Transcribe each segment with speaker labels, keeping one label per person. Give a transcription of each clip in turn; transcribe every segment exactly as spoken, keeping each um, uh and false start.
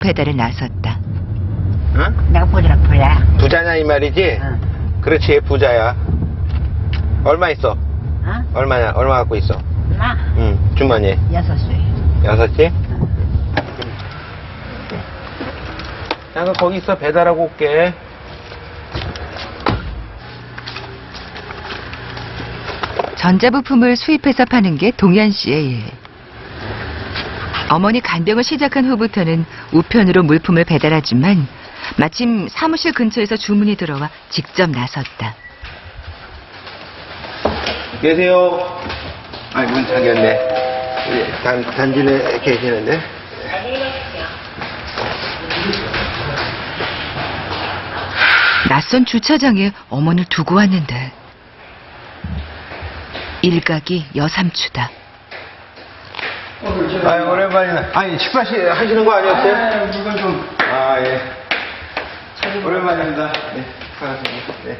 Speaker 1: 배달에 나섰다.
Speaker 2: 응?
Speaker 3: 내가 보니라 부야.
Speaker 2: 부자냐 이 말이지?
Speaker 3: 응.
Speaker 2: 그렇지, 부자야. 얼마 있어?
Speaker 3: 어?
Speaker 2: 얼마냐? 얼마 갖고 있어?
Speaker 3: 나
Speaker 2: 응, 주머니에.
Speaker 3: 여섯 岁.
Speaker 2: 여섯 개? 잠깐 거기 있어. 배달하고 올게.
Speaker 1: 전자부품을 수입해서 파는 게 동현 씨의 일. 어머니 간병을 시작한 후부터는 우편으로 물품을 배달하지만 마침 사무실 근처에서 주문이 들어와 직접 나섰다.
Speaker 2: 계세요. 아, 문 잠겼네. 단, 단지에 계시는데.
Speaker 1: 낯선 주차장에 어머니를 두고 왔는데 일각이 여삼추다.
Speaker 2: 아, 오랜만이네. 아니, 식사 시 하시는 거 아니었어요?
Speaker 4: 아, 물건 좀.
Speaker 2: 아, 예. 오랜만입니다. 네, 반갑습니다. 네.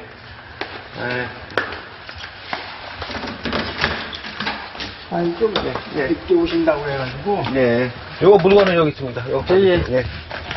Speaker 2: 아,
Speaker 4: 아니, 좀
Speaker 2: 네, 네.
Speaker 4: 늦게 오신다고 해가지고.
Speaker 2: 네. 요거 물건은 여기 있습니다. 요거.
Speaker 4: 예, 예.
Speaker 2: 네.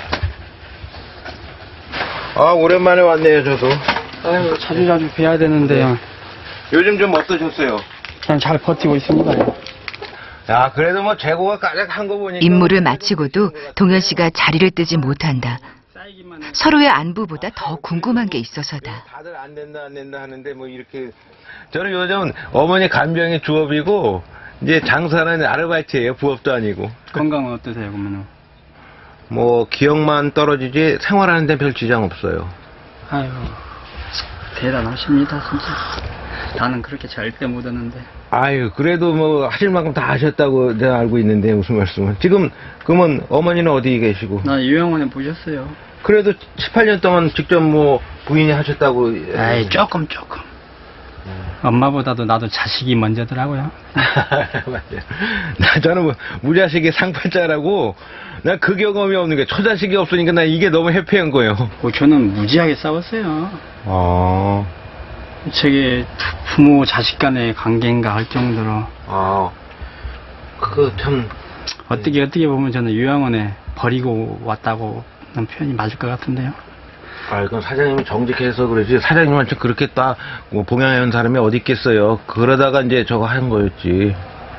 Speaker 2: 아, 오랜만에 왔네요, 저도.
Speaker 4: 아유, 자주 자주 뵈야 되는데요.
Speaker 2: 요즘 좀 어떠셨어요?
Speaker 4: 그냥 잘 버티고 있습니다.
Speaker 2: 야, 그래도 뭐 재고가 까닥한 거 보니까.
Speaker 1: 임무를 마치고도 동현 씨가 자리를 뜨지 못한다. 서로의 안부보다 더 궁금한 게 있어서다.
Speaker 2: 다들 안 된다, 안 된다 하는데 뭐 이렇게. 저는 요즘 어머니 간병이 주업이고, 이제 장사는 아르바이트예요. 부업도 아니고.
Speaker 4: 건강은 어떠세요, 그러면은?
Speaker 2: 뭐 기억만 떨어지지 생활하는 데 별 지장 없어요.
Speaker 4: 아유, 대단하십니다, 진짜. 나는 그렇게 절대 못하는데.
Speaker 2: 아유, 그래도 뭐 하실 만큼 다 하셨다고 제가 알고 있는데 무슨 말씀을. 지금 그러면 어머니는 어디 계시고?
Speaker 4: 나 요양원에 보셨어요.
Speaker 2: 그래도 칠, 팔 년 동안 직접 뭐 부인이 하셨다고.
Speaker 4: 아이, 조금, 조금. 엄마보다도 나도 자식이 먼저더라고요.
Speaker 2: 맞아요. 나 저는 뭐 무자식이 상팔자라고, 나 그 경험이 없는 게 초자식이 없으니까 나 이게 너무 해피한 거예요.
Speaker 4: 뭐 저는 무지하게 싸웠어요.
Speaker 2: 아,
Speaker 4: 저게 부- 부모 자식 간의 관계인가 할 정도로.
Speaker 2: 아, 그거 참.
Speaker 4: 어떻게 어떻게 보면 저는 요양원에 버리고 왔다고 하는 표현이 맞을 것 같은데요.
Speaker 2: 아, 그건 사장님이 정직해서 그러지. 사장님한테 그렇게 딱, 뭐, 봉양해온 사람이 어디 있겠어요. 그러다가 이제 저거 한 거였지.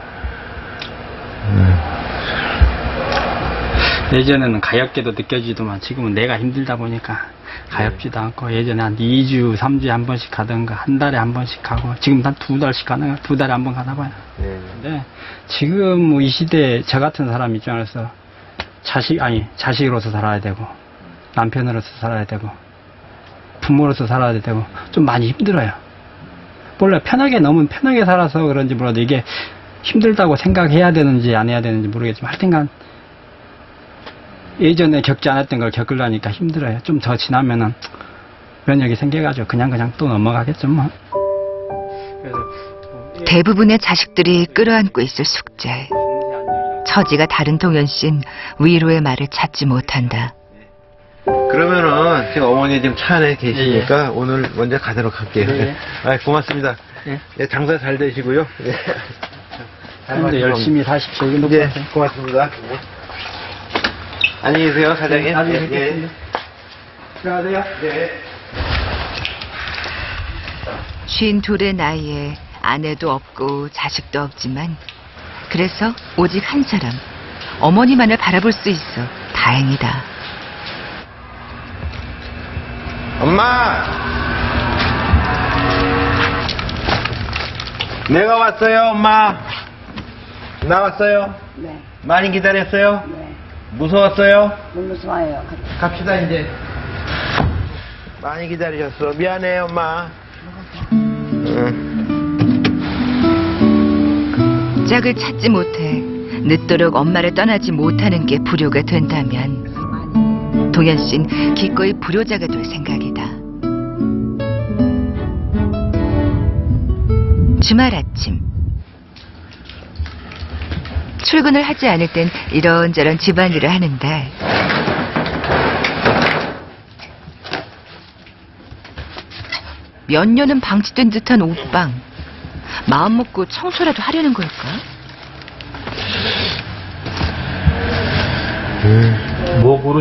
Speaker 2: 음.
Speaker 4: 예전에는 가엾게도 느껴지더만 지금은 내가 힘들다 보니까 가엾지도 않고, 예전에 한 이 주, 삼 주에 한 번씩 가던가 한 달에 한 번씩 가고, 지금 한 두 달씩 가는, 두 달에 한 번 가나 봐요.
Speaker 2: 네.
Speaker 4: 근데 지금 뭐 이 시대에 저 같은 사람 입장에서 자식, 아니, 자식으로서 살아야 되고, 남편으로서 살아야 되고, 부모로서 살아야 되고, 좀 많이 힘들어요. 몰라, 편하게, 너무 편하게 살아서 그런지 몰라도 이게 힘들다고 생각해야 되는지 안 해야 되는지 모르겠지만, 하여튼간 예전에 겪지 않았던 걸 겪으려니까 힘들어요. 좀 더 지나면은 면역이 생겨가지고 그냥 그냥 또 넘어가겠죠 뭐. 그래서
Speaker 1: 대부분의 자식들이 끌어안고 있을 숙제. 처지가 다른 동현 씨는 위로의 말을 찾지 못한다.
Speaker 2: 그러면은, 지금 어머니 지금 차 안에 계시니까 오늘 먼저 가도록 할게요.
Speaker 4: 예, 예.
Speaker 2: 아, 고맙습니다.
Speaker 4: 예.
Speaker 2: 예, 장사 잘 되시고요. 예. 잘
Speaker 4: 근데 열심히 사십시오. 이거
Speaker 2: 예,
Speaker 4: 높아서.
Speaker 2: 고맙습니다. 예. 안녕히 계세요, 사장님.
Speaker 4: 네, 나중에
Speaker 2: 예, 예.
Speaker 4: 뵙겠습니다. 들어가세요.
Speaker 2: 네.
Speaker 1: 쉰 둘의 나이에 아내도 없고 자식도 없지만 그래서 오직 한 사람, 어머니만을 바라볼 수 있어 다행이다.
Speaker 2: 엄마! 내가 왔어요, 엄마. 나왔어요.
Speaker 3: 네.
Speaker 2: 많이 기다렸어요?
Speaker 3: 네.
Speaker 2: 무서웠어요?
Speaker 3: 못 무서워요.
Speaker 2: 갑시다, 이제. 많이 기다리셨어. 미안해, 엄마. 응.
Speaker 1: 짝을 찾지 못해 늦도록 엄마를 떠나지 못하는 게 불효가 된다면 동현 씨는 기꺼이 불효자가 될 생각이다. 주말 아침 출근을 하지 않을 땐 이런저런 집안일을 하는데 몇 년은 방치된 듯한 옷방. 마음 먹고 청소라도 하려는 걸까?
Speaker 2: 뭐 고르